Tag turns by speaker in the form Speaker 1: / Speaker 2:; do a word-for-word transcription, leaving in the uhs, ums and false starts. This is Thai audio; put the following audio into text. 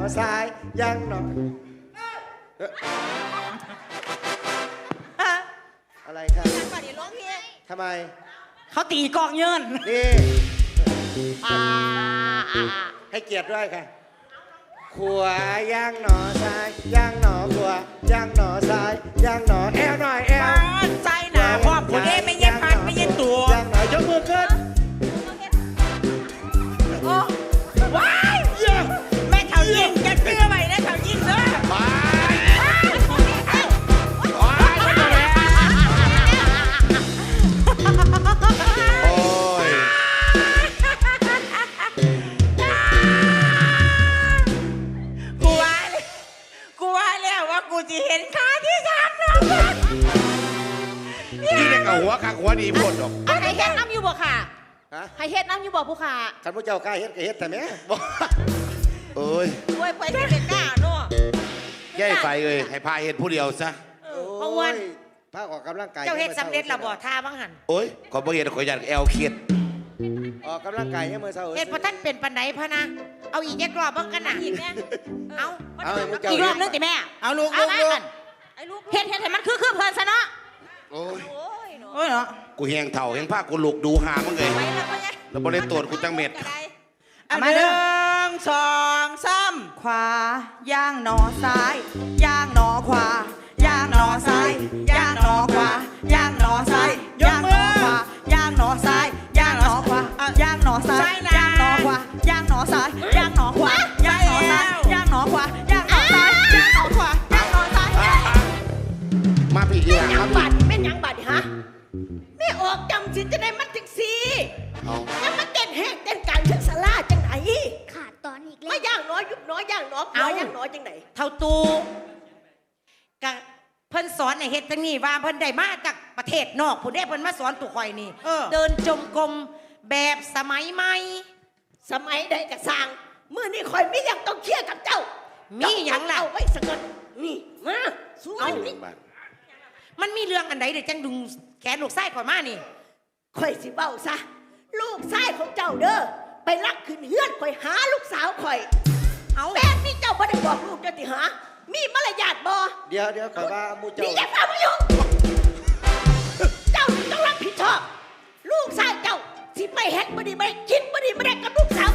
Speaker 1: ซ้ายย่างหนออะไรครับก่อนนี้ร้องเพลงทำไม
Speaker 2: เขาตีกองเยิน
Speaker 1: นี่ให้เกียรติด้วยค่ะขวาย่างหนอซ้ายย่างหนอขวาย่างหนอซ้ายย่างหนอแอลหน่อยแอล
Speaker 2: ใจหนาพ่อผู้เด้ไม่เย็นพันไม่เย็นตัว
Speaker 1: ย่างหนอยกมือขึ้น
Speaker 2: โอ้ว้ายแม่เถายิงจะเชื่อไหมนะเถายิงเนอะจะเห็นขาที่สามน้อง
Speaker 3: ที่เด็กเอาหัวข้างหัวดีพูดหรอก
Speaker 4: ให้เฮ็ดน้ำอยู่บ่ค่ะให้เฮ็ดน้ำอยู่บ่ผู้ค่ะ
Speaker 1: ท่านผู้เจ้ากล้าเฮ็ดก็เฮ็ดแต่แม่
Speaker 3: เอ้ย
Speaker 4: โอ้ยไปเฮ็ดเป็นกล้าเนาะ
Speaker 3: ย่ายไฟเอ้ยให้พาเฮ็ดผู้เดียวซะ
Speaker 1: เพราะว่าพาออกกำลังกาย
Speaker 2: เจ้าเฮ็ดสำเร็จแล้วบ่ท่าบ้างหัน
Speaker 3: โอ้ยขอบ่เฮ็ดขอยันแอลเครียด
Speaker 1: ออกกำลังกายยังมือเช้า
Speaker 2: เฮ็ดพอท่านเป็นปันไหนพะนะเอาอีกแยกรอบบ้างกันนะอีกแน่เอา
Speaker 4: อีกรอบนึงติแม่
Speaker 2: เอาลูกลูกลูก
Speaker 4: เฮ็ดเฮ็ดให้มันคือคือเพลินซะเนาะ
Speaker 3: โอ้ย
Speaker 2: โอ้ยเนาะ
Speaker 3: กูแหงเถ่าแหงผ้ากูลุกดูหามึงเลยแล้วบ่ได้ตรวจกูจังเม็ด
Speaker 2: มาหนึ่งสองสามขวาย่างหนอซ้ายย่างหนอขวาย่างหนอซ้ายย่างหนอขวาย่างหนอซ้ายย่างหนอขวาย่างหนอซ้ายย่างหนอขวาย่างหนอซ้ายย่างหนอขวาย่างหนอซ้ายย่างหนอขวาย่างหนอซ้ายย่างหนอขวาย่างหนอซ้ายย่างหนอขวาย่างหนอซ้าย
Speaker 3: มาพี่อีหลัง
Speaker 4: ครับบาดแม่ยังบาดฮะแม่ออกจำสิจะได้มันถึงสี่แล้วมันเต้นแห้งเต้นการเชิงสลาจังไหน
Speaker 5: ขาดตอนอีกแล้ว
Speaker 4: ไม่ย่างน้อยยุบน้อยย่างน้อยน้อยย่างน้อยจังไหน
Speaker 2: เท่าตูกะเพิ่นสอนในเฮ็ดจังนี้ว่าเพิ่นได้มาจากประเทศนอกผู้ใดเพิ่นมาสอนตุข่อยนี่เดินจมกรมแบบสมัยใหม่
Speaker 4: สมัยใดกะสร้างมื้อนี้ข่อยมีหยังต้องเคลียร์กับเจ้า
Speaker 2: มีหยังล่ะ
Speaker 4: เอาไว้สักก่อนนี่มาสู้เอา
Speaker 2: มันมีเรื่องอันใดเดี๋ยวจังดึงแขนลูกไส้ข่อยมานี่
Speaker 4: ข่อยสิเบ้าซะลูกไส้ของเจ้าเด้อไปลักขึ้นเฮือนข่อยหาลูกสาวข่อยเอาแบบนี้เจ้าบ่ได้บอกลูกเจ้าติหามีมารยาทบ่
Speaker 1: เดี๋ยวเดี๋ยวข่อยว่ามูเจ้า
Speaker 4: นี่อย่าฟังมาอยู่เจ้าต้องรับผิดชอบลูกไส้เจ้าสิไปเฮ็ดบ่ดีบ่ได้กินบ่ดีบ่ได้กับลูกสาว